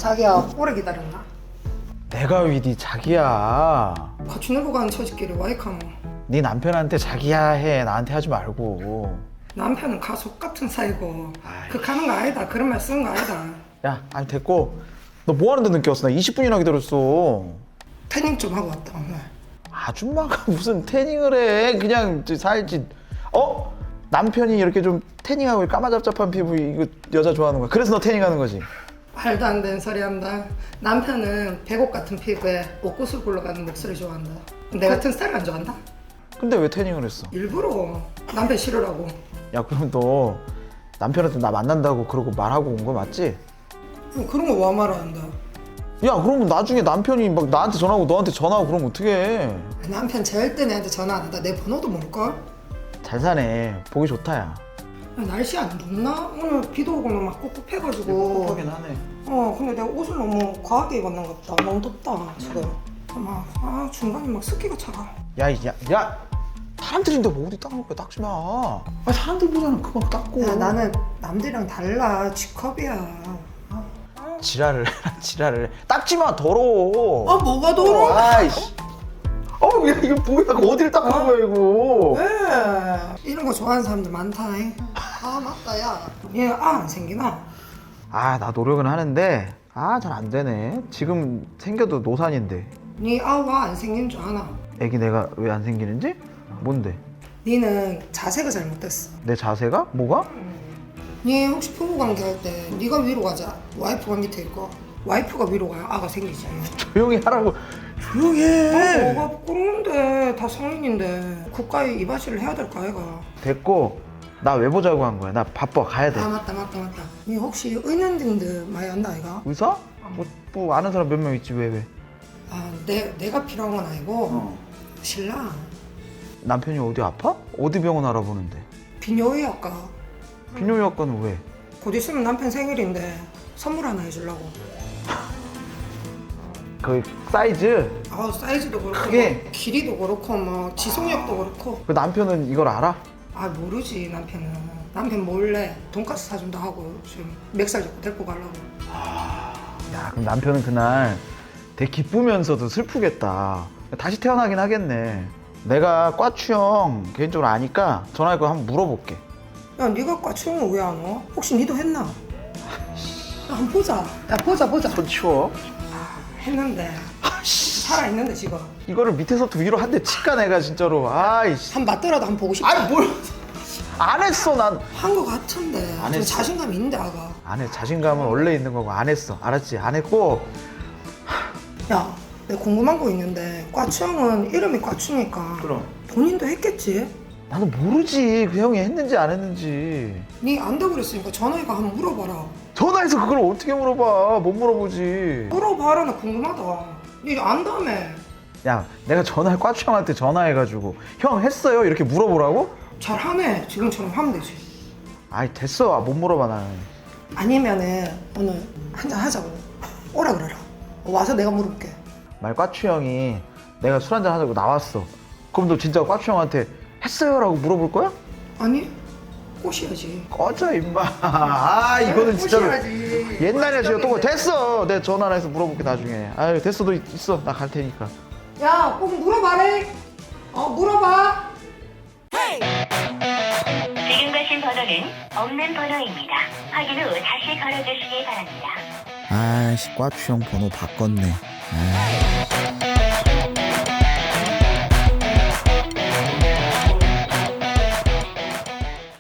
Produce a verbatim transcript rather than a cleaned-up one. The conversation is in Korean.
자기야 오래 기다렸나? 내가 왜 네 자기야. 같이 놀고 가는 처지끼리 와이카노. 네 남편한테 자기야 해. 나한테 하지 말고. 남편은 가족 같은 사이고 아이. 그 가는 거 아니다. 그런 말 쓰는 거 아니다. 야, 아니 됐고. 너 뭐 하는데 늦게 왔어? 나 이십 분이나 기다렸어. 태닝 좀 하고 왔다 오늘. 아줌마가 무슨 태닝을 해. 그냥 저 살지. 어? 남편이 이렇게 좀 태닝하고 까마잡잡한 피부 이거 여자 좋아하는 거야. 그래서 너 태닝하는 거지? 말도 안 되는 소리 한다. 남편은 배곡 같은 피부에 옷구슬 굴러가는 목소리 좋아한다. 내 같은 스타일 안 좋아한다? 근데 왜 태닝을 했어? 일부러 남편 싫으라고. 야, 그럼 너 남편한테 나 만난다고 그러고 말하고 온 거 맞지? 그런 거 와 말하는다. 야, 그러면 나중에 남편이 막 나한테 전화하고 너한테 전화하고 그러면 어떡해. 남편 절대 내한테 전화 안 한다. 내 번호도 모를걸? 잘 사네. 보기 좋다, 야. 야, 날씨 안 좋나? 오늘 비도 오고 막 꿉꿉해가지고. 하네. 어 근데 내가 옷을 너무 과하게 입었는 것 같다. 너무 덥다 지금. 막, 아 중간에 막 습기가 차가. 야, 야, 야! 사람들인데 뭐 어디 닦을 거야? 닦지 마. 아, 사람들 보잖아. 그만 닦고. 야 나는 남들이랑 달라. G컵이야. 지랄을 해라, 지랄을 해. 닦지 마, 더러워. 아 뭐가 더러워? 아이씨. 어, 야, 이거 뭐야? 어디를 닦는 거야, 이거? 왜? 이런 거 좋아하는 사람들 많다. 아 맞다 야. 얘 아 안 생기나? 아, 나 노력은 하는데, 아, 잘 안 되네. 지금 생겨도 노산인데. 네 아와 안 생긴 줄 아나? 애기 내가 왜 안 생기는지? 뭔데? 니는 자세가 잘못됐어. 내 자세가? 뭐가? 니 혹시 부부 관계 할 때 네가 위로 가자. 와이프가 밑에 있고 와이프가 위로 가야 아가 생기지. 조용히 하라고. 조용히 해. 아, 뭐가 부끄러운데 다 성인인데 국가에 이바지를 해야 될까 아이가. 됐고, 나 왜 보자고 한 거야? 나 바빠, 가야 돼. 아 맞다 맞다 맞다. 니 혹시 은연등들 많이 안다 아이가? 의사? 뭐, 뭐 아는 사람 몇 명 있지, 왜, 왜? 아 내, 내가 필요한 건 아니고 어. 신랑 남편이 어디 아파? 어디 병원 알아보는데? 비뇨의학과 비뇨기과는 왜? 곧 있으면 남편 생일인데 선물 하나 해주려고. 그 사이즈? 아 사이즈도 그렇고 크게? 뭐 길이도 그렇고 뭐 지속력도 그렇고. 그 남편은 이걸 알아? 아 모르지 남편은. 남편 몰래 돈가스 사준다 하고 지금 멱살 잡고 데리고 가려고. 야, 그럼 남편은 그날 되게 기쁘면서도 슬프겠다. 다시 태어나긴 하겠네. 내가 과추형 개인적으로 아니까 전화해서 한번 물어볼게. 야 네가 과추형은 왜 안 와? 혹시 니도 했나? 야 한번 보자. 야 보자 보자. 손 치워. 했는데 살아있는데 지금. 이거를 밑에서부터 위로 한 대 치까 내가 진짜로. 아이씨. 한 맞더라도 한번 보고 싶다. 아이 뭘. 안 했어 난. 한 거 같은데. 안 좀 했어. 자신감 있는데 아가. 안 해. 자신감은 원래 있는 거고 안 했어. 알았지? 안 했고. 야, 내가 궁금한 거 있는데 과추형은 이름이 과추니까 그럼. 본인도 했겠지? 나도 모르지. 그 형이 했는지 안 했는지. 니 안다고 그랬으니까 전화해가 한번 물어봐라. 전화해서 그걸 어떻게 물어봐. 못 물어보지. 물어봐라. 나 궁금하다. 니 안다며. 야, 내가 전화해 과추 형한테 전화해가지고 형 했어요? 이렇게 물어보라고? 잘하네. 지금처럼 하면 되지. 아이 됐어. 못 물어봐 나는. 아니면은 오늘 한잔 하자고 오라 그래라. 와서 내가 물어볼게. 말 과추 형이 내가 술 한잔 하자고 나왔어. 그럼 너 진짜 과추 형한테 했어요? 라고 물어볼 거야? 아니 꼬셔야지. 꺼져 임마. 아 이거는 진짜로 꼬셔야지. 옛날에 지금 또 됐어. 내가 전화 해서 물어볼게 나중에. 아유 됐어. 너 있어. 나 갈 테니까. 야, 꼭 물어봐래. 어, 물어봐. 지금 가신 번호는 없는 번호입니다. 확인 후 다시 걸어주시기 바랍니다. 아이씨 과추 형 번호 바꿨네. 아이.